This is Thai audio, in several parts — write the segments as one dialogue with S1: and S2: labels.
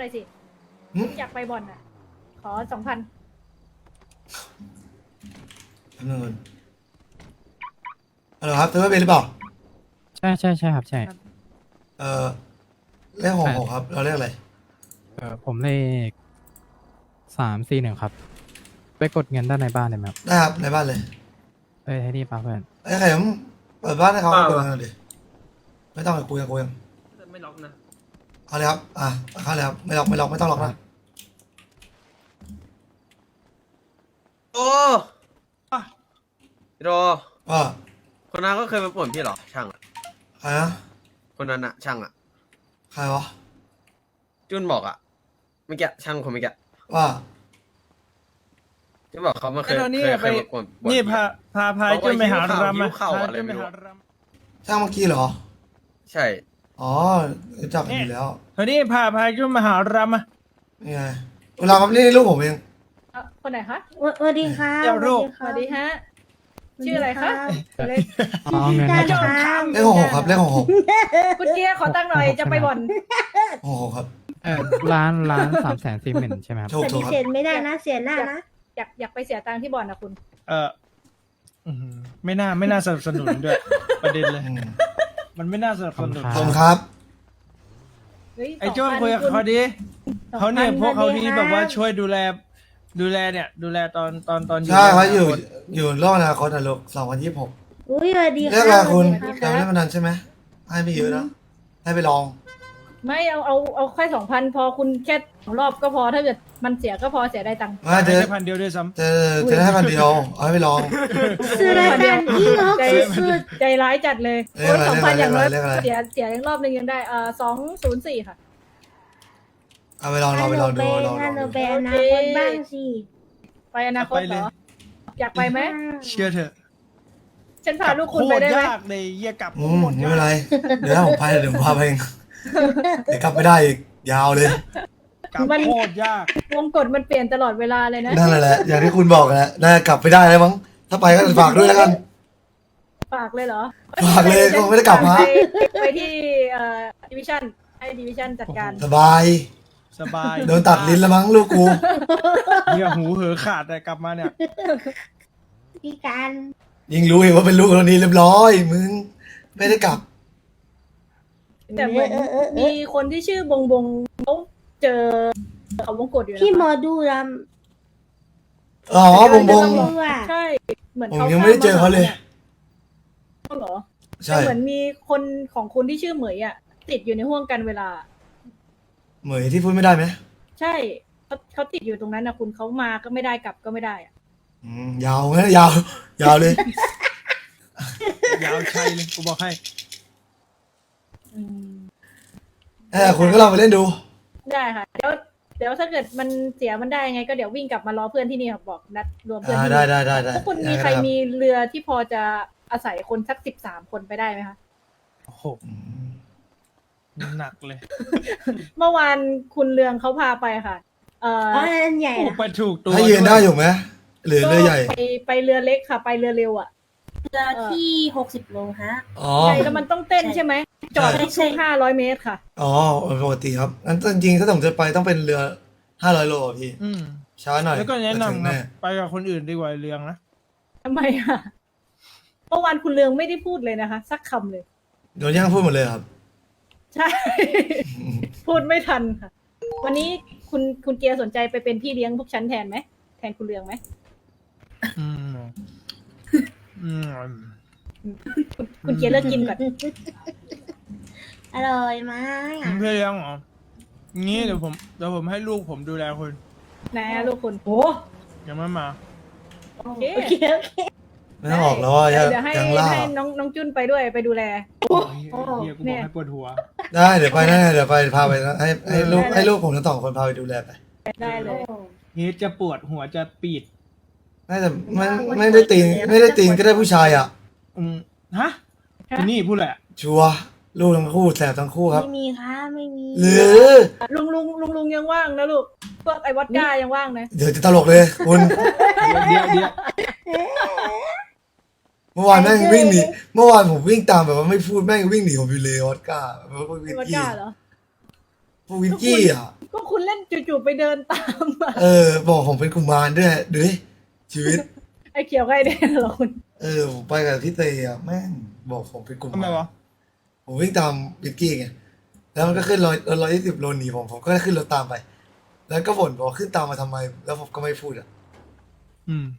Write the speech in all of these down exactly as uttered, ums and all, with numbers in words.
S1: อยสิ
S2: หึ
S1: อยากไปบ่อนอ่ะ ขอสองพัน
S2: ทำเงินอะไรครับซื้อไม่เป็นหรือเปล่า
S3: ใช่ใช่ใช่ครับใช่
S2: เออเลขหกหกครับ เราเลขอะไร
S3: เออผมเลขสามสี่หนึ่งครับ ไปกดเงินด้านในบ้านได้ไหมครับ
S2: ได้ครับในบ้านเลย
S3: เอ้ยให้ดีป่ะเพื่อน
S2: ไอ้ไข่ผมเปิดบ้านให้เขา
S4: เปล่า
S2: เปิดบ้านดิไม่ต้องไปคุยกันคุยกัน
S4: ไม่ล็อกนะ
S2: เอาเลยครับอ่ะเข้าเลยครับไม่ล็อกไม่ล็อกไม่ต้องล็อกนะ
S4: โอ้พี่โร
S2: ว่า
S4: คนนั้นก็เคยมาป่วนพี่เหรอช่างอะ
S2: ใครนะ
S4: คนนั้นอะช่างอะ
S2: ใครวะ
S4: จุนบอกอะเมื่อกี้ช่างคนเมื่อกี้
S2: ว่า
S4: ที่บอกเขามาเคย
S5: ไอ้เรานี่
S4: เคย
S5: ไป
S4: เคยมาป่วนป่วน
S5: นี่
S4: พี่
S5: พา
S4: อะ
S5: พาพา
S4: บอกว่า
S5: จุนไปหา
S4: หิวข้าว
S5: รำ
S4: หิวข้าว
S5: พา
S4: อะไร
S5: จุน
S4: ไม่
S5: ไป
S4: รู้
S5: หารำ
S2: ช่างเมื่อกี้เหรอ
S4: ใช่
S2: อ๋อรู้จักกันอยู่แล้ว
S5: เฮ้ยนี่พาพาจุนมาหารำอ่ะ
S2: นี่ไงเวลาครับนี่ลูกผมเอง
S1: เอ่อคนไหนคะ
S6: สวัสดีค่ะ
S5: เจ้าโรค
S1: สวัสดีฮะ ชื่ออะไรคะเล็ก
S3: เอาเงิน
S6: ได้
S3: ให้หน่อย
S6: ค่ะ
S2: เลขหกหกครับเลขหกหก
S1: คุณเกียร์ขอตั้งค์หน่อยจะไปบ่อน
S2: หกหกครับ
S3: เออร้านร้านสามแสนสี่หมื่นใช่ไหมครับ
S2: ถูก
S6: ป
S2: ถู
S6: ฏิ
S2: กค
S6: เส
S2: รับ
S6: ธไม่ได้นะ เสียหน้านะ
S1: อยากอยากไปเสียตังค์ที่บ่อนนะคุณ
S5: เอออื้อหือไม่น่าไม่น่าสนับสนุนด้วย ประเด็นเลย
S2: อืม
S5: มันไม่น่าสนับสนุน
S2: ขอบคุณครับ
S1: เฮ้ย
S5: ไอ้โจ้
S1: สงพั
S5: คุยกับเขาดี
S1: สองพั
S5: เขาเนี่ยพวกเขาที่
S6: สวัสดีครับ
S5: แบบว่าช่วยดูแล ดูแลเนี่ย ดูแลตอนตอนตอนอยู่
S2: ใช่เขาอยู่
S5: ในนคต
S2: อยู่โลกอนาคตนะลูกสองพันยี่สิบหก
S6: อุ้ยสวัสดี
S2: เรีย
S6: ค่ะ
S2: กอะไรคุณ
S6: สวัสดี
S2: ยังไม่ได้พนันใช่ไหมให้ไม่เยอะนะให้ไปลอง
S1: ไม่เอาเอาเอาแค่สองพันพอคุณแค่สองรอบก็พอถ้าเกิดมันเสียก็พอเสียได้ตังค์
S2: มาเจ
S5: ให้
S2: อ
S5: ได้พันเดียวด้วยซ้
S2: เจอเจอให้พันเดียวเอาให้ไปลอง
S6: ซื้อรายการที่งก
S1: ใจ
S6: สุด
S1: ใจร้ายจัดเลย
S2: เรียกอะไร
S1: สองพันอย่างน้อย
S2: เรียกอะไร
S1: เสียเสียยังรอบหนึ่งยังได้เอ่อสองศูนย์สี่ค่ะ
S2: เอาไปลอง
S6: ๆ
S2: ลองไปลองดู
S6: ฮั
S2: ลอง
S6: ฮั
S2: ล
S6: น
S2: อง
S6: โน
S2: ดู
S6: เบอนาคตบ้างสิ
S1: ไปอนาคตเหรอ อยากไปไหม
S5: ำเชื่อเถอะ
S1: ฉันพาลูกคุณไปได้ไหม
S5: โคตรยากเลยเยี่ยกลับ
S2: อื
S5: โค
S2: ม
S5: ตร
S2: ไม่
S5: ยา
S2: เป็นไร
S5: ก
S2: เดี๋ยวผมพาเดี๋ยวผมพาไปเองเดี๋ยวกลับไม่ได้อีกยาวเลย
S5: กลับโคตรยาก
S1: วงกฎมันเปลี่ยนตลอดเวลาเลยนะ
S2: นั่นแหละ อย่างที่คุณบอกแหละน่าจะกลับไม่ได้แล้วมั้งถ้าไปก็ฝากด้วยแล้วกัน
S1: ฝากเลยเหรอ
S2: ฝากเลยคงไม่ได้กลับมา
S1: ไปไปที่เอ่อดิวิชั่นให้ดิวิชั่นจัดการ
S2: สบาย
S5: สบาย
S2: โดนตัดลิ้นแล้วมั้งลูกกู
S5: เหี้ยหูเหอขาดแต่กลับมาเนี่ย
S6: พี่การ
S2: ยิงรู้เองว่าเป็นลูกเรานี่เรียบร้อย มึงไม่ได้กลับ
S1: แต่เหมือน
S6: เออเออเอ
S1: มี
S6: อ
S1: คนที่ชื่อบงบงเขาเจอเขาวงกฎอยู่นะ
S6: พี่หมอ
S1: คะ
S6: ดูร
S2: อ๋อบงบง
S6: ำดูอ่ะ
S1: ใช่ เหมือน
S2: ผม
S1: เขา
S2: ยังไม่ได้เจอเขาเลย
S1: เขาเหรอ
S2: ใช่
S1: แต่เหมือนมีคนของคุณที่ชื่อเหมยอ่ะ ติดอยู่ในห่วงกันเวลา
S2: เหมยที่พูดไม่ได้ไหม
S1: ใช่เขาเขาติดอยู่ตรงนั้นนะคุณเขามาก็ไม่ได้กลับก็ไม่ได้อะ
S2: อืมยาวนะยาว ยาวเลย
S5: ยาวชัยเลยกูบอกให้
S1: อืม
S2: เออคุณก็ลองไปเล่นดู
S1: ได้ค่ะ เดี๋ยวเดี๋ยวถ้าเกิดมันเสียมันได้ยังไงก็เดี๋ยววิ่งกลับมารอเพื่อนที่นี่ครับบอกนัดรวมเพื่อน
S2: อ่า
S1: ที่
S2: ได้
S1: นี่
S2: ได้ได้ได้
S1: ทุกคนมีใครมีเรือที่พอจะอาศัยคนสักสิบสามคนไปได้ไหมคะ
S5: โอ้โห
S2: อืม
S5: หนักเลย
S1: เมื่อวานคุณเรืองเขาพาไปค่ะ เอ่อ
S6: อ๋ออันใหญ่
S5: โอ้
S6: นะ
S5: ไปถูกตัว
S2: ถ้ายืนได้
S5: ว
S2: อยู่ไหมหรือเรือใหญ่
S1: ไปไปเรือเล็กค่ะ ไปเรือเร็วอ่ะ
S6: เรือที่หกสิบโลฮะ
S2: อ๋อ
S1: ใช่แล้วมันต้องเต้นใช่ไหมจอด
S2: ใช่
S1: ทุกๆห้าร้อยเมตรค่ะ
S2: อ๋อปกติครับงั้นจริงๆถ้าผมจะไปต้องเป็นเรือห้าร้อยโลอะพี่
S5: อืม
S2: ช้าหน่อย
S5: แล้วก็แนะ
S2: จะถึง
S5: นำครั
S2: แน่
S5: บไปกับคนอื่นดีกว่าเรืองนะ
S1: ทำไมอ่ะเมื่อวานคุณเรืองไม่ได้พูดเลยนะคะ สักคำเลย
S2: โดนย่างพูดหมดเลยครับ
S1: ใช่ พูดไม่ทันค่ะ วันนี้คุณคุณเกียร์สนใจไปเป็นพี่เลี้ยงพวกฉันแทนไหมแทนคุณเรืองไหม
S5: อืมอืม
S1: คุณคุณเกียร์เลิกกินก่อน
S6: อร่อยมาก
S5: เพื่อนเลี้ยงเหรองี้เดี๋ยวผมเดี๋ยวผมให้ลูกผมดูแลคุณ
S1: นะลูกคุณโอ้
S5: ยังไม่มา
S1: โอเค
S6: โอเคโอเค
S2: ไม่ต้องออกแล้วอ่ะยัง
S1: เดี๋ยวให้
S2: ยังล่า
S1: ให้น้องน้องจุนไปด้วยไปดูแล
S5: โอ้ยเฮียกูบอกให้ปวดหัว
S2: ได้เดี๋ยวไปนะเดี๋ยวไปพาไปนะให้ให้ลูกให้ลูกผมทั้งสองคนพาไปดูแลไป
S1: ได้เลย
S5: เฮียจะปวดหัวจะปีด
S2: น่าจะไม่ไม่ได้ตีนไม่ได้ตีนก็ได้ผู้ชายอ่ะ
S5: อืมฮะคุณนี่พูดแหละ
S2: ชัวร์ลูกทั้งคู่แสบทั้งคู่ครับ
S6: ไม่มีค่ะไม่มี
S2: หรือ
S1: ลุงลุงลุงลุงยังว่างนะลูกพวกไอ้วอดก้ายังว่างนะ
S2: เดี๋ยวจะตลกเลยคุณ
S5: เดี๋ยวเดี๋ยว
S2: เมื่อวานแม่งวิ่งหนีเมื่อวานผมวิ่งตามแบบว่าไม่พูดแม่งวิ่งหนีผมอยู่เลยออสการ์แบบว่าวิ่ง
S1: ไอ้วอด
S2: กี้
S1: ก้าเหรอ
S2: พวกวินกี้อ่ะ
S1: ก็คุณเล่นจู่ๆไปเดินตามมา
S2: เออ บอกผมเป็นกุมารด้วยดูดิชีวิต
S1: ไอ้เขียวกับไอ้แดงเหรอคุณ
S2: เออผมไปกับพี่เตยอ่ะแม่งบอกผมเป็นกุมาร
S5: ทำไมวะ
S2: ผมวิ่งตามวินกี้ไงแล้วมันก็ขึ้นร้อยร้อยยี่สิบโลหนีผมผมก็ขึ้นรถตามไป แล้วก็บ่นบอกขึ้นตามมาทำไม แล้วผมก็ไม่พูดอ่ะ
S5: อืม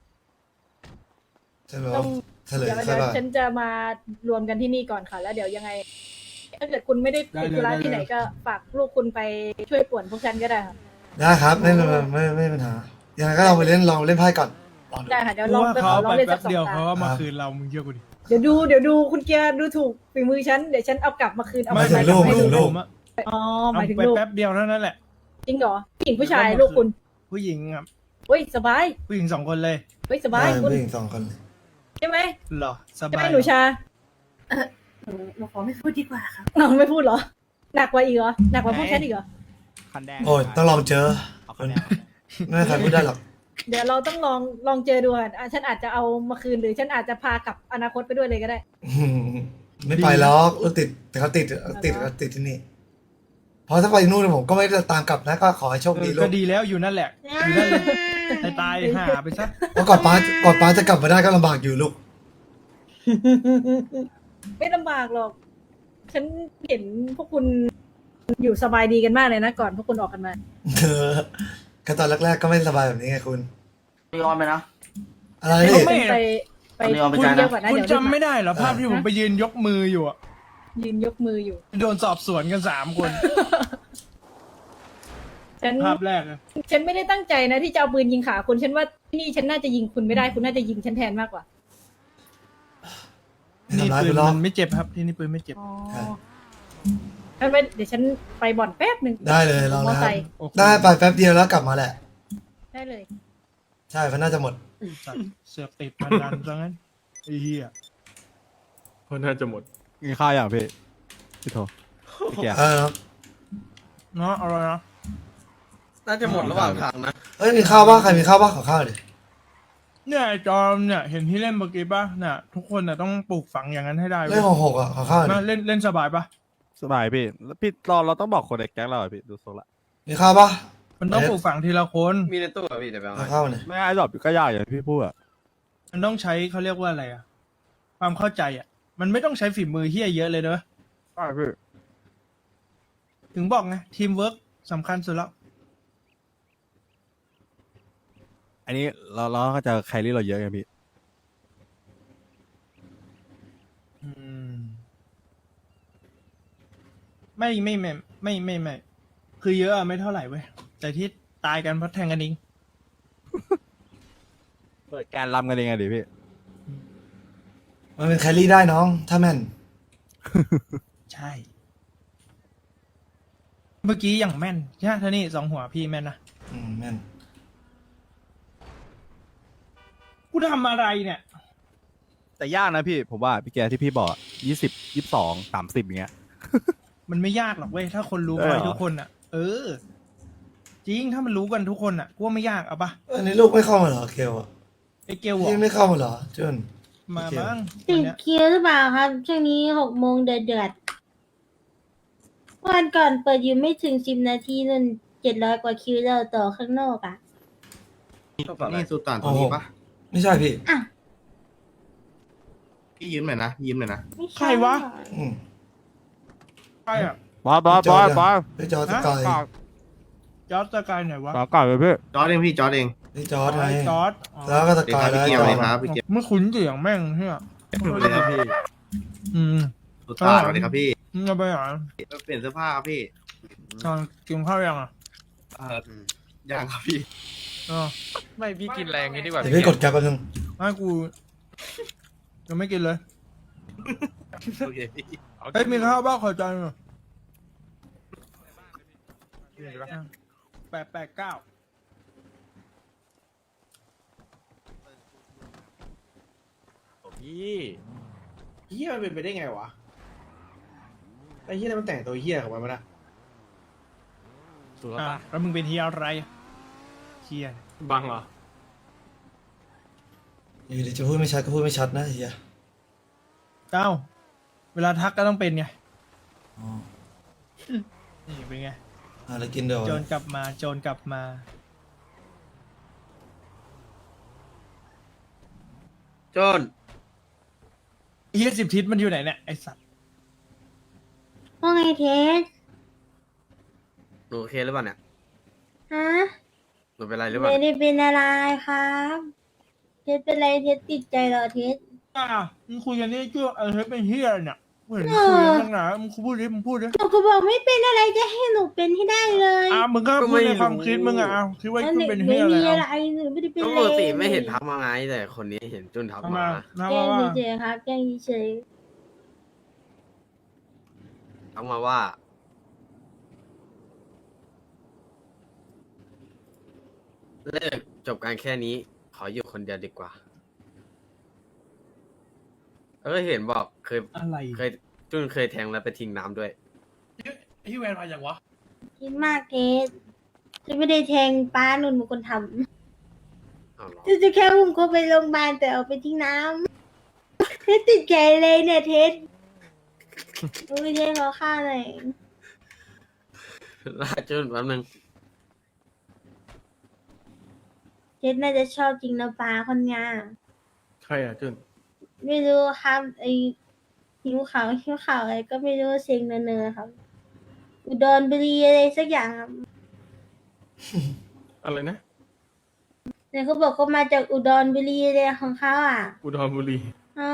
S2: ใช่ไหม
S1: ต้
S2: ว่า
S1: อง
S2: เฉลย
S1: เดี๋ยว
S2: ใช่
S1: เดี๋ยว
S2: ป่ะ
S1: ฉันจะมารวมกันที่นี่ก่อนค่ะ แล้วเดี๋ยวยังไง ถ้าเกิดคุณไม่ได้
S5: ได้
S1: ติด
S5: เลย
S1: ธุระ
S5: ได้เลย
S1: ที่ไหนก็ฝากลูกคุณไปช่วยป่วนพวกฉันก็ได้ค่ะ
S2: ได้ครับไม่ไม่ไม่ไม่ไม่มีปัญหายังไงก็ลองไปเล่นลองเล่นไพ่ก่อนลองดู
S1: ได้ค่ะเดี๋ยว
S5: กู
S1: ลอง
S5: ว่า
S1: ไปข
S5: เขา
S1: อลอง
S5: ไป
S1: เล่นสั
S5: แป๊
S1: ก
S5: บ
S1: สอง
S5: เดียว
S1: ตา
S5: เขาก็มา
S2: ครับ
S5: คืนเรามึงเชื่อกูดิ
S1: เดี๋ยวดูเดี๋ยวดูคุณเกียร์ดูถูกฝีมือฉันเดี๋ยวฉันเอากลับมาคืนเอา
S2: ไม่
S1: ไป
S2: ถึงลูก
S1: ให้
S2: ไม่ถึงลูก
S5: ผมอะ
S1: อ๋อห
S5: เอา
S1: มายถึง
S5: ไป
S1: ลูก
S5: แป๊บเดียวเท่านั้นแหละ
S1: จริงเหรอผู้หญิงผู้ชาย
S5: เดี๋ยว
S1: ลูกคุณ
S5: ผู้หญิงครับ
S1: เฮ้ยสบาย
S5: ผู้หญิงสองคนเลย
S1: เฮ้ยสบาย
S2: ได้
S1: คุณ
S2: ผู้หญิงสองคนเลย
S1: ใช่ไหม
S5: เหรอส
S1: ใช่ไห
S5: บาม ย
S1: หนูชา
S6: หนูหนูขอไม่พูดดีกว่าครับ
S1: น้องไม่พูดเหรอหนักกว่าอีกเหรอหนักกว่าพวกฉันอีกเหรอ
S3: คันแดง
S2: โอ้ยต้องลองเจอ
S3: เอาคันแดง
S2: ไม่มีใครพูดได้หรอก
S1: เดี๋ยวเราต้องลองลองเจอดูอ่ะอ่ะฉันอาจจะเอามาคืนหรือฉันอาจจะพากลับอนาคตไปด้วยเลยก็ได้
S2: อืมไม่ไปหรอกรถติดแต่เขาติดติดเขาติดที่นี่เพราะถ้าไปนู่นผมก็ไม่ได้ตามกลับนะก็ขอให้โชค
S5: เอ
S2: ดี
S5: อ
S2: ลู
S5: ก็
S2: ก
S5: ดีแล้วอยู่นั่นแหละ อยู่นั่นเลยตายตายๆหาไปซะ
S2: เพราะก่อนป้าก่อนป้าจะกลับมาได้ก็ลำบากอยู่ลูก
S1: ไม่ลำบากหรอก ฉันเห็นพวกคุณอยู่สบายดีกันมากเลยนะก่อนพวกคุณออกกันมา
S2: เออก็ตอนแรกๆก็ไม่สบายแบบนี้ไงคุณ
S7: มีออนไหมนะ
S2: อะไร
S1: แต่
S2: นี่
S1: เขาไปไป
S7: อันนี้เอาไป
S1: คุ
S7: ใช้
S1: ย
S7: นะ
S1: เยอะกว่านะ
S5: คุณ
S1: เดี๋ยวรีบ
S5: จำไม่ได้เหรอภาพที่ผมไปยืนยกมืออยู่อะ
S1: ยืนยกมืออยู่
S5: โดนสอบสวนกันสามคน
S1: ฉัน
S5: ภาพแรกอะ
S1: ฉันไม่ได้ตั้งใจนะที่จะเอาปืนยิงขาคุณฉันว่าที่นี่ฉันน่าจะยิงคุณไม่ได้คุณน่าจะยิงฉันแทนมากกว่า
S2: ไม่
S5: นี่
S2: ทำร้าย
S5: ปื
S2: คุ
S5: น
S2: ณหรอก
S5: มันไม่เจ็บครับที่นี่ปืนไม่เจ็บ
S1: อ๋อ
S2: ใช่
S1: งั้นไปเดี๋ยวฉันไปบ่อนแป๊บหนึ่ง
S2: ได้เลยลอง
S1: มอ
S2: นะค
S1: ไซ
S2: รับ
S1: ค์
S5: โอเค
S2: ได้ไปแป๊บเดียวแล้วกลับมาแหละ
S1: ได้เลย
S2: ใช่เพราะน่าจะหมด
S5: สัตว์เสือกติดพนันซะงั้นไอ้เหี้ย
S4: เพราะน่าจะหมด
S3: กินข้าวอย่างพี่พี่โทพี่แก
S2: เออครับ
S5: เนาะเอาเลยนะ
S4: น่าจะหมดระหว่างทางนะ
S2: เอ้ยมีข้าวบ้างใครมีข้าวบ้างขอข้าวดิ
S5: เนี่ยไอ้จอมเนี่ยเห็นที่เล่นเมื่อกี้ป่ะเนี่ยทุกคนน่ะต้องปลูกฝังอย่างนั้นให้ได้
S2: เล่นหกหกอ่ะขอข้าวดิ
S5: มาเล่นเล่นสบายป่ะ
S3: สบายพี่แล้วพี่เราเราต้องบอกคนในแก๊งเราอะพี่ดูทรงละ
S2: มีข้าวปะ
S5: มันต้องปลูกฝังทีละคน
S4: มีในตู้อะพี่เดี๋ยวไปเอา
S2: ขอ
S4: ให้
S2: ข้าวหน่อย
S3: ไม่ไอ้ดอกก็ยากอย่างที่พี่พูดอะ
S5: มันต้องใช้เขาเรียกว่าอะไรอะความเข้าใจอะมันไม่ต้องใช้ฝีมือเฮี้ยเยอะเลยเนอะ
S3: ใช่พี่
S5: ถึงบอกไงทีมเวิร์กสำคัญสุดแล้ว
S3: อันนี้เราเราก็จะแครี่เราเยอะไงพี่
S5: อืมไม่ไม่ไม่ไม่ไม่ไม่คือเยอะอะไม่เท่าไหร่เว้ยแต่ที่ตายกันเพราะแทงกันเอง
S3: เปิดการรำกันเองไงดิพี่
S2: มันเป็นแคลรี่ได้น้อง ถ้าแม่น
S5: ใช่ เมื่อกี้อย่างแม่นใช่ไหมท่านี่สองหัวพี่แม่นนะ
S2: อืมแม่น
S5: กูทำอะไรเนี่ย
S3: แต่ยากนะพี่ผมว่าพี่แกที่พี่บอกยี่สิบยี่สิบสองสามสิบอย่างเงี้ย
S5: มันไม่ยากหรอกเว้ยถ้าคนรู้
S3: เออ
S5: ไป
S3: เหรอ
S5: ทุกคนอ่ะ เออ จริงถ้ามันรู้กันทุกคนอ่ะกูว่าไม่ยากเอาปะ
S2: อันนี้ลูกไม่เข้ามาเหรอเคลอ่ะ
S5: ไอ้เกลบอก
S2: พี่ไม่เข้ามาเหรอจุน
S5: มา
S2: โอเค
S5: บ้าง
S6: ติ
S5: วัน
S6: ด
S5: เนี้ย
S6: คิวหรือเปล่าครับ ช่วงนี้หกโมงเดือดเดือดวันก่อนเปิดอยู่ไม่ถึงสิบนาทีนั่นเจ็ดร้อยกว่าคิวแล้วต่อข้างนอกอ่ะ
S7: นี่สุตานตัวนี้ปะ
S2: ไม่ใช่พี่
S6: อ่ะ
S7: พี่ยืมหน่อยนะยืมหน่อยนะ
S6: ไม่
S5: ใคร
S6: ใช่
S5: วะ
S2: อืม
S5: ใครอ่ะ
S3: บอสบอสบอสบอส
S2: พี่จอร์ดสกาย
S5: จอร์ดสกายไหนวะ
S3: ก่อนก่อนเลยพี่
S7: จอร์ดเองพี่จอร์ดเอง
S2: พี่จอร์ดไง
S5: ไอ้จอร์ดอ๋อ
S2: แล้วก็ส
S7: เดี๋ยว
S2: กาย
S7: ครับ
S2: แล้ว
S7: พี่เกียว
S2: จอ
S7: เลย
S2: ร์ด
S7: ครับพี่เกียว
S5: ไม่คุ้นเสียงแม่งใช่ไหม
S7: เลยครับพี่
S5: อืม
S7: สุตานสวัสดีครับพี่
S5: มึงเอาไปไหน
S7: เปลี่ยนเสื้อผ้าครับพี่
S5: ตอนกินข้าวยังอ่ะ
S7: เออยังครับพี่
S5: อ๋อ
S4: ไม่พี่กินแรงงี้ดีกว่า
S2: เดี๋ยวพี่กดแก๊ปแป๊บนึง
S5: ไม่กูยังไม่กินเลย
S7: โอเคพี่
S5: เฮ้ยมีข้าวบ้างขอจานหน่อยแปดแปดเก้า
S4: พี่
S8: เฮียมันเป็นไปได้ไงวะไอ้เฮียนั่นมันแต่งตัวเฮียของมันมาละ
S3: ถูก
S5: อ่ะ
S3: ปะ
S5: แล้วมึงเป็นเฮียอะไรเฮีย
S4: บังเหรอ
S2: อยู่ดีจะพูดไม่ชัดก็พูดไม่ชัดนะเฮีย
S5: เก้าเวลาทักก็ต้องเป็นไง
S2: อ๋อ
S5: นี่เป็นไง
S2: อ่ะแล้วกินเดี๋ยว
S5: โจรกลับมาโจรกลับมา
S4: จน
S5: เฮียสิบทิศมันอยู่ไหนเนี่ยไอสัตว์
S6: ว่าไงเทส
S4: หนูโอเคหรือเปล่าเนี่ย
S6: ฮะ
S4: หนูเป็นไรหรือเปล่า
S6: ไม่
S4: เนี่ย
S6: ได้เป็นอะไรครับเทสเป็นไรเทสติดใจเหรอเทส
S5: อ้าวมึงคุยกันนี่ชื่อเออเฮ้ยเป็นเฮียอะไรเนี่ยเหมือนคุยกันตั้งนานมึงพูดดิมึงพูดดิ
S6: หนูก็บอกไม่เป็นอะไรจะให้หนูเป็นให้ได้เลย
S5: อ้าวมึงก็พูดในความคิดมึงอ่ะอ้าวคิดว่า
S6: แล้ว
S5: มึ
S6: ห
S5: ง
S6: นู
S5: เป็นเฮี
S6: ไม่
S5: ยอะไร
S6: มีอะไร
S5: อ่ะ
S6: หนูไม่ได้เป็น
S4: ก็
S6: อะไร
S4: ปกติไม่เห็นทักมาไงแต่คนนี้เห็นจุนทัก
S5: ทำ
S4: มา
S5: มาทำ
S6: แกล้
S5: มาง ว่า
S6: เฉยๆครับแกล้งเฉย
S4: ทักมาว่า เลิกจบการแค่นี้ ขออยู่คนเดียวดีกว่า เออเห็นบอกเคย
S5: อะไร
S4: เคยจุนเคยแทงแล้วไปทิ้งน้ำด้วย
S7: พี่แวนมาอย่างวะ
S6: คิดมากเทสจะไม่ได้แทงป้าหนุนเป็นคนท
S4: เอาเหรอ
S6: ำจะจะแค่อุ้มเขาไปโรงพยาบาลแต่เอาไปทิ้งน้ำเทสติดใจเลยเนี่ยเทสโอ้ยเทสขอค่าหน่อย
S4: ลาจุนแป๊บนึง
S6: เทสน่าจะชอบจริงนะป้าคนงาม
S7: ใครอ่ะจุน
S6: ไม่รู้ครับไอหิวขาวหิวขาวอะไรก็ไม่รู้เสียงเนอๆครับ อุดรบุรีอะไรสักอย่างครับ
S7: อะไรนะ
S6: เนี่ยเขาบอกเขามาจากอุดรบุรีเลยของเขาอ่ะ
S7: อุดรบุรี
S6: อ๋อ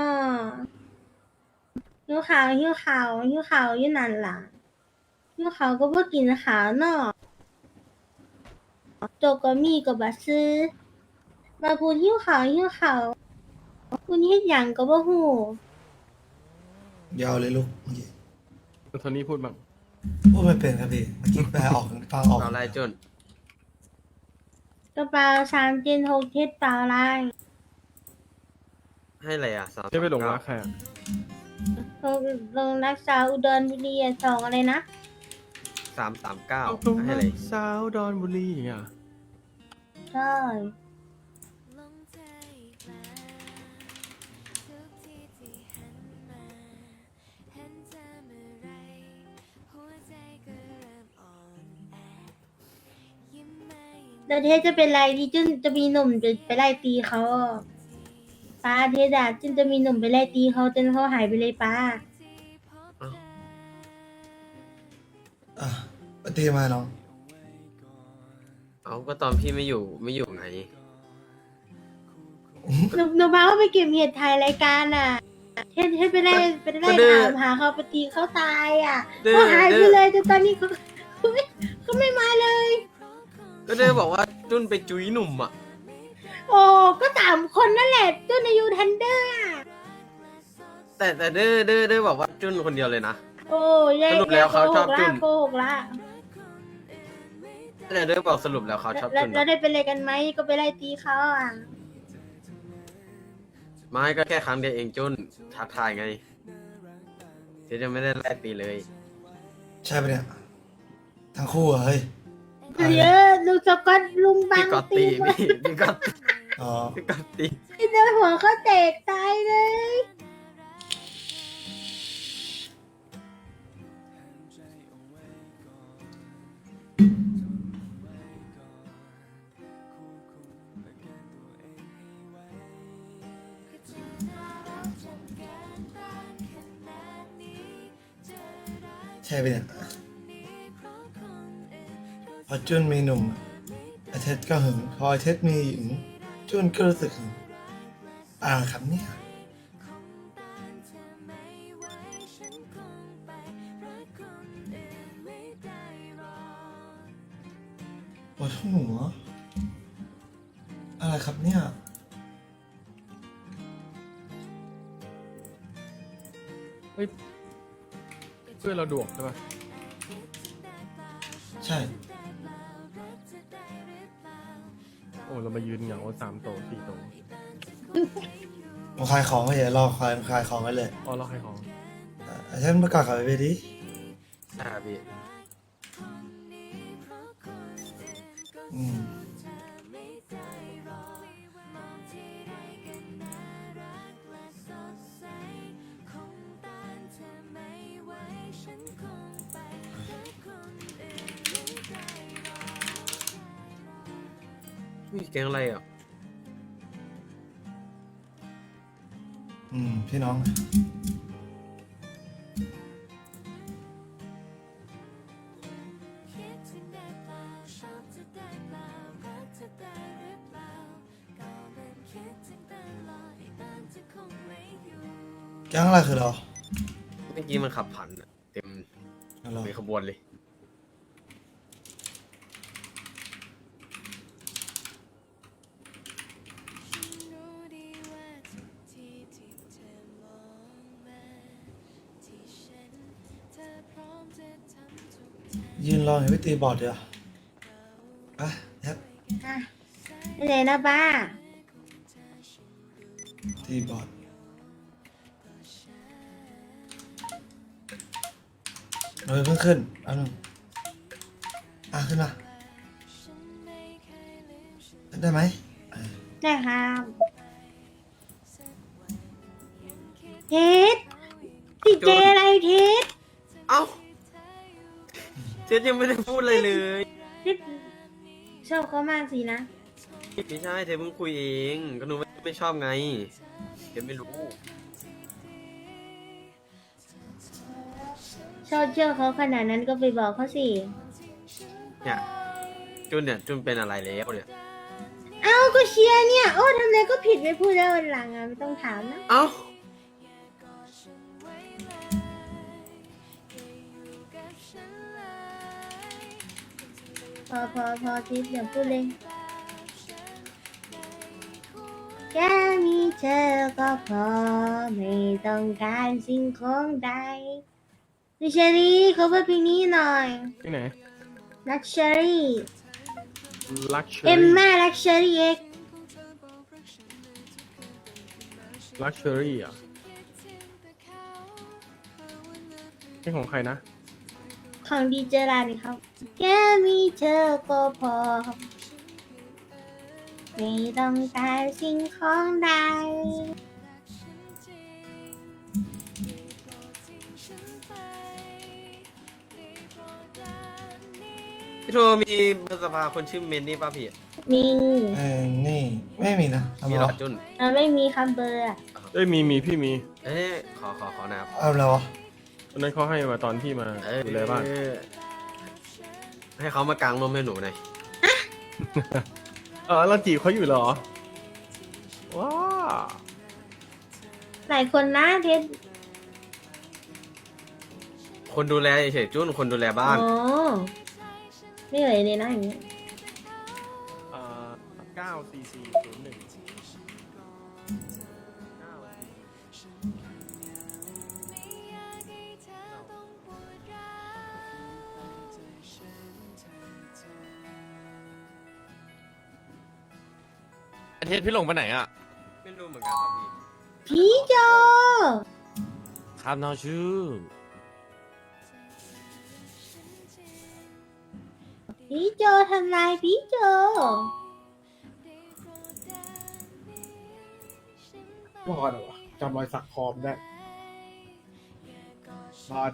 S6: หิวขาวหิวขาวหิวขาวอยู่นั่นล่ะหิวขาวก็บ่กินขาวเนาะโจกก็มีก็บ่ซื้อมาพูดหิวขาวหิวขาวพูดเฮ็ดหยังก็บ่ฮู้
S2: ยาวเลยลูกเมื่อกี้
S7: โทนี่พูดบ้าง
S2: พูดไม่เป็นครับพี่เมื่อกี้แปลออกฟังออก
S4: เอาไรจุน
S6: กระเป๋าสามเจ็ดหกเทศเปล่าลาย
S4: ให้อะไรอ่ะสาม
S7: จะไปหลงรักใครอ่ะ
S6: ลงลงรักษาอุดรบุรีอ่ะสองอะไรนะ
S4: สามสามเก้า
S7: ตรง
S4: ให้อะไร
S7: สาวดอนบุรีอย่างเงี้ย
S6: ใช่ แล้วเทศจะเป็นไรที่จุนจะมีหนุ่มจะไปไล่ตีเขาป้าเทศอะจุนจะมีหนุ่มไปไล่ตีเขาจนเขาหายไปเลยป้า
S2: อ่ะปฏิมาน้อง
S4: เอาก็ตอนพี่ไม่อยู่ไม่อยู่ไง
S6: หนูหนูมาว่าไปเก็บเห็ดถ่ายรายการอ่ะเทศเทศไปไล่ไปไล่
S4: ก็ดื้อ
S6: ถามหาเขาไปตีเขาตายอ่ะ
S4: ดื้อ
S6: เขาหายไป
S4: ดื้อ
S6: เลยจนตอนนี้เขาเขาไม่เขาไม่มาเลย
S4: ก็เด้บอกว่าจุนไปจุ้ยหนุ่มอ่ะ
S6: โอ้ก็สามคนนั่นแหละจุนอายุทันเดอร์อ่ะ
S4: แต่แต่เด้อเด้อเด้อบอกว่าจุนคนเดียวเลยนะ
S6: โอ้ยาย
S4: สรุปแล้วเขาชอบ
S6: โกหก
S4: จุ
S6: ละ
S4: น
S6: โกหกละ
S4: แต่เด้อบอกสรุปแล้วเขาชอบ
S6: แล้ว
S4: จุน
S6: แล้ว
S4: นะ
S6: ได้เป็นอะไรกันไหมก็ไปไล่ตีเขาอ่ะ
S4: ไม่ก็แค่ครั้งเดียวเองจุนท้าทายไงเจ๊จะไม่ได้ไล่ตีเลย
S2: ใช่ปะเนี่ยทั้งคู่เหรอเฮ้ย
S6: เยอะลูกสกอตลุงบั
S4: พี่
S6: ง
S4: ก็
S6: ตี
S4: ตีพี่พี่ก็
S2: อ๋อ
S4: พี่ก็ตี
S6: ที่โดนหัวเขาแตกตายเลย
S2: ใช่ปะเนี่ยพอจุนมีหนุ่มไอเท็ดก็หึงพอไอเท็ดมีหญิงจุนก็รู้สึกหึงอ่าครับเนี่ยปวดหัวอะไรครับเนี่ย
S7: เพื่อนเราดวกใช่ปะ
S2: ใช่
S7: โอ้เรามายืนเหงาสามโตะสี่โตะ
S2: ผมขายของไว้อย่ารอขายขายของไว้เลย
S7: อ๋อเราใครของ
S2: อ่ะฉันประกาศขายไปดิ
S4: ใช่พี่
S2: อืม
S4: มีแก๊งอะไรอ่ะ
S2: อืมพี่น้อง แก๊งอะไรคือเรา
S4: เมื่อกี้มันขับผ่านอะเต็ม
S2: เรา
S4: เป็นขบวนเลย
S2: ยืนรอเห็นพี่ตีบอร์ดเดียวอ่ะแฮป
S6: อ่ะไปเลยนะป้า
S2: ตีบอร์ดเราเพิ่งขึ้นเอันนึงอ่ะขึ้นมาได้ไหมเออ
S6: ได้ครับเทสติดเจอะไรเทส
S4: เอ้าเจ๊ยังไม่ได้พูดอะไรเลย
S6: เทสชอบเขามากสินะ
S4: ไม่ใช่เจ๊เพิ่งคุยเองก็หนูไม่ไม่ชอบไงเจ๊ไม่รู้
S6: ชอบเชื่อเขาขนาดนั้นก็ไปบอกเขาสิ
S4: เนี่ยจุนเนี่ยจุนเป็นอะไรแล้วเนี่ย
S6: เอ้าก็เชียร์เนี่ย โอ้ทำอะไรก็ผิดไม่พูดแล้ววันหลังอ่ะไม่ต้องถามนะ
S4: เอ้า
S6: พอพอพอทิพย์อย่าพูดเลยแค่มีเธอก็พอไม่ต้องการสิ่งของใดดิฉันนี่เขาพูดเพลงนี้หน่อย
S7: ที่ไหน
S6: Luxury
S7: ลักชัว
S6: เอ็ม
S7: รี่
S6: ม่า Luxury X
S7: ลักชัวรี่อ่ะนี่ของใครนะ
S6: ของดีเจรานี่ครับแค่มีเธอก็พอไม่ต้องการสิ่งของใด
S4: พี่โทมีเบอร์สภาคนชื่อเมนนี่ป่ะพี่
S6: มี
S2: เออนี่ไม่มีนะทำ
S4: มี
S2: ไม
S4: หรอ
S2: วะ
S4: จุน
S6: เราไม่มีคำเบอร์อะ
S7: เอ้ยมีมีพี่มี
S4: เอ๊ะขอขอขอนะครับ
S2: เอาแล้ววะ
S7: ตอนนั้นเขาให้มาตอนที่มา
S4: เอ้ย
S7: ดูแลบ้าน
S4: ให้เขามากางนมให้หนูหน่อย
S7: เออเราจีบเขาอยู่เหรอ ว้า
S6: หลายคนนะเทส
S4: คนดูแลเฉยๆจุนคนดูแลบ้าน
S6: อ๋อไม่เอ่ยเลยนะอย่างนี้
S7: อ่าเก้าสี่สี่ศูนย์หนึ่ง
S9: อาทิตย์พี่หลงไปไหนอ่ะ
S4: ไม่รู้เหมือนกันครับพี่
S6: พี่โจ
S9: ครับน้องชื่อ
S6: พี่โจทำลายพี่โจ
S8: บอดเหรอวะจำรอยสักคอมได้บอด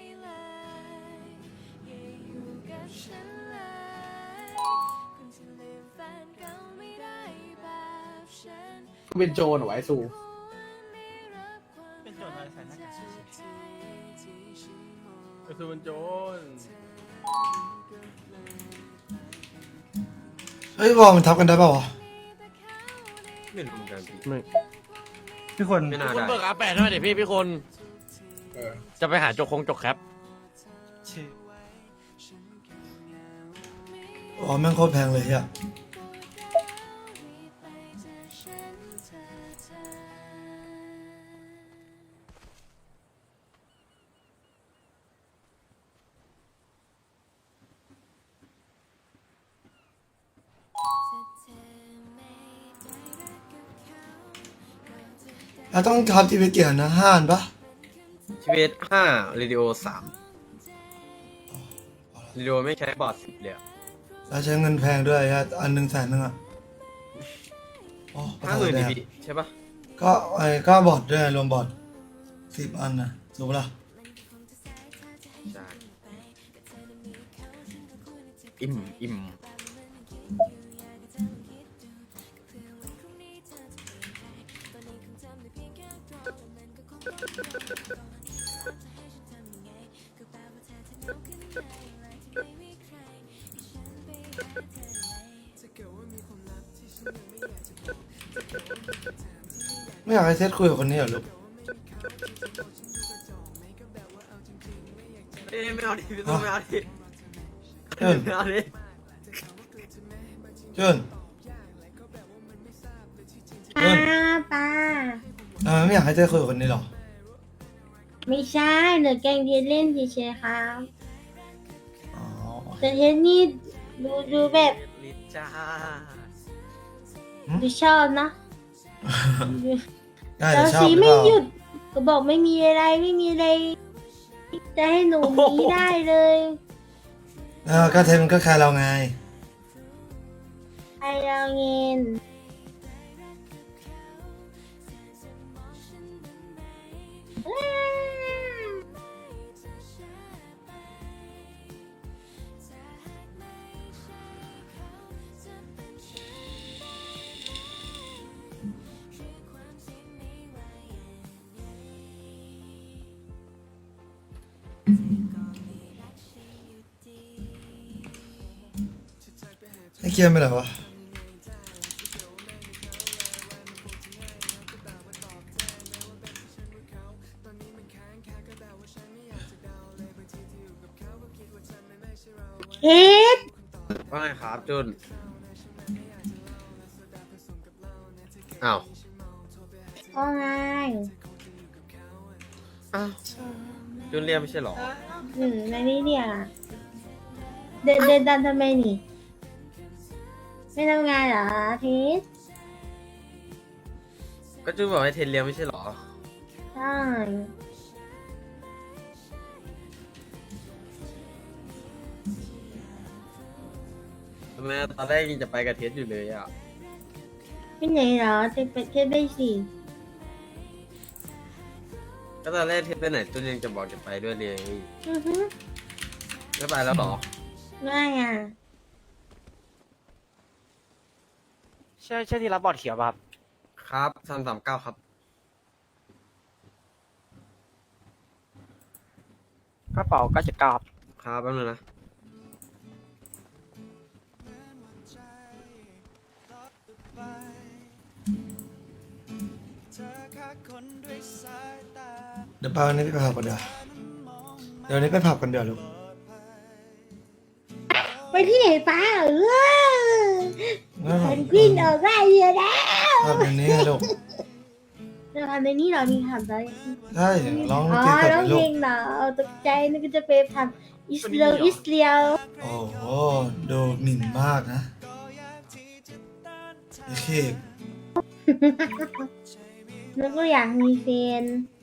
S8: เป็นโจรเหรอวะไอ้สู
S5: เป็นโจทย์อะไรใส่หน้ากากเฉย
S7: ก็คือมันโจร
S2: เฮ้ยวอลมันทับกันได้ป่าวะ
S4: ไม่รู้เหมือนกันพี่
S7: ไม่
S5: พี่คน
S4: ไม่น่า
S9: คุณ
S4: ได้
S9: เบิกอาแปดหน่อยเดี๋ยวพี่พี่คน
S8: เออ
S9: จะไปหาจกคงจกแคป
S5: ชื่อ
S2: อ๋อแม่งโคตรแพงเลยอ่ะ เราต้องทับทีวีเกียร์นะห้าอันปะ
S4: ชีวิตห้าเรดิโอสามเรดิโอไม่ใช้บอร์ดสิบเลยอะ
S2: เราใช้เงินแพงด้วยอะอันหนึ่งแสนหนึ่งอ่ะโอ้
S4: ห้าหมื่น
S2: แด
S4: ดิ
S2: ง
S4: พี่ใช่ปะ
S2: ก็ไอ้ก็บอร์ดด้วยรวมบอร์ดสิบอันนะถูกปะล่ะ
S4: ใช่อิ่มอิ่ม
S2: ไม่อยากให้เซตคุยกับคนนี้เหรอลูก
S4: เอ้ยไม่เอาดิพี่ต้องไม่เอาดิ
S2: เจิน
S4: ไม่เอาดิ
S2: เจิน
S6: ป้าป้า
S2: เออไม่อยากให้เซตคุยกับคนนี้เหรอ
S6: ไม่ใช่หนูแกล้งเทสเล่นเฉยๆครับ
S2: อ๋อ
S6: แต่เทสนี่ดูดูแบบ
S4: ลิจ้า
S6: ดูชอบเนอะดู
S2: ได้
S6: เรา
S2: แต่ชอบ
S6: สี
S2: หรือ
S6: ไม่
S2: เปล่า
S6: หยุด ก็บอกไม่มีอะไรไม่มีอะไร จะให้หนูหนีได้เลย
S2: เออก็เทปมันก็แค่เราไง
S6: ไอเราเงิน
S2: ให้เคลียร์ไปเหรอวะ
S6: เฮ็ด
S4: ว่าไงครับจุนอ้าว
S6: ว่าไง
S4: อ้าวจุนเรียกไม่ใช่เหรอ
S6: หรืออะไรนี่เนี่ยเดินเดินตามทำไมนี่ ไม่ทำงานเหรอพีท
S4: ก็จุนบอกให้เทนเรียกไม่ใช่เหรอ
S6: ใช่
S4: ทำไมตอนแรกยังจะไปกับเทสอยู่เลยอ่ะ
S6: ไปไหนเหรอเทปเทปได้สิ
S4: ก็ตอนแรกเทสไปไหนจุนยังจะบอกจะไปด้วยเลย
S6: อือฮึ
S4: ไม่ไปแล้วเหรอ
S6: ไม่อ่ะ
S9: ใช่ใช่ที่รับบอร์ดเขียวป่ะครับ
S4: ครับสามสามเก้าครับ
S9: กระเป๋าเก้าเจ็ดเก้าครับ
S4: ครับแป๊บนึงนะ
S2: เดี๋ยวไปวันนี้ไปผับกันเดี๋ยวเดี๋ยววันนี้ไปผับกันเดี๋ยวลูก
S6: ไปที่ไหนป้าเออ
S2: ไม่ผั
S6: ฉั
S2: บ
S6: นกวินออกได้เยอะแล้ว
S2: ผับวันนี้ไงลูก
S6: เราทำในนี้เหรามีทำได้
S2: ใช่ร้อง
S6: อ๋อ
S2: เพลงกับ
S6: ร้อง
S2: ลู
S6: เพล
S2: ก
S6: งเหรอเอาตกใจนึกว่าจะไปทำอิสเลียวอิสเลียว
S2: โอ้โหดูหมิ่นมากนะไอ้เค้ก
S6: นึกว่าอยากมีแฟน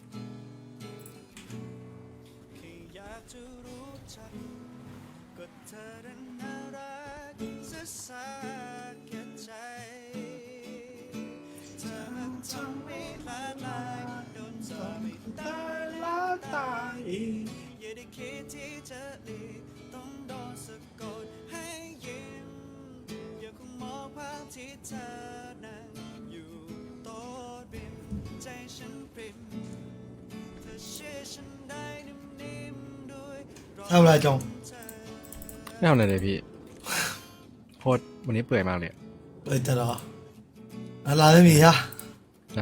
S2: ทำอะไรจง
S7: ไม่เอาไหนเลยพี่ โคตรวันนี้เปื่อยมากเลยอะ
S2: เปิดจะรอร้านไม่มีฮะ
S7: ใช่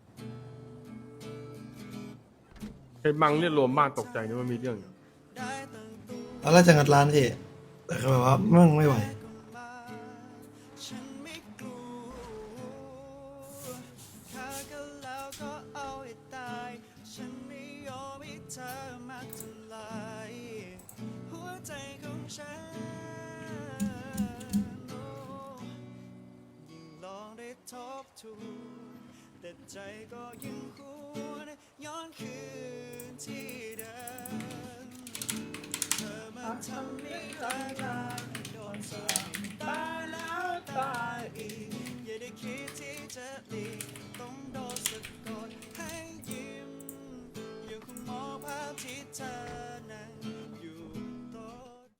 S5: ไอ้บังเนี่ยรวมบ้านตกใจนึกว่ามีเรื่องอยู่
S2: ตอนแรกจะงัดร้านพี่แต่ก็แบบว่ามั่งไม่ไหว
S10: แต่ใจก็ยังหวนย้อนคืนที่เดิมเธอมาทำให้รักกันโดนสลับตายแล้วตายอีกอย่าได้คิดที่จะหลีกต้องโดนสะกดให้ยิ้มยังคงมองภาพที่เธอ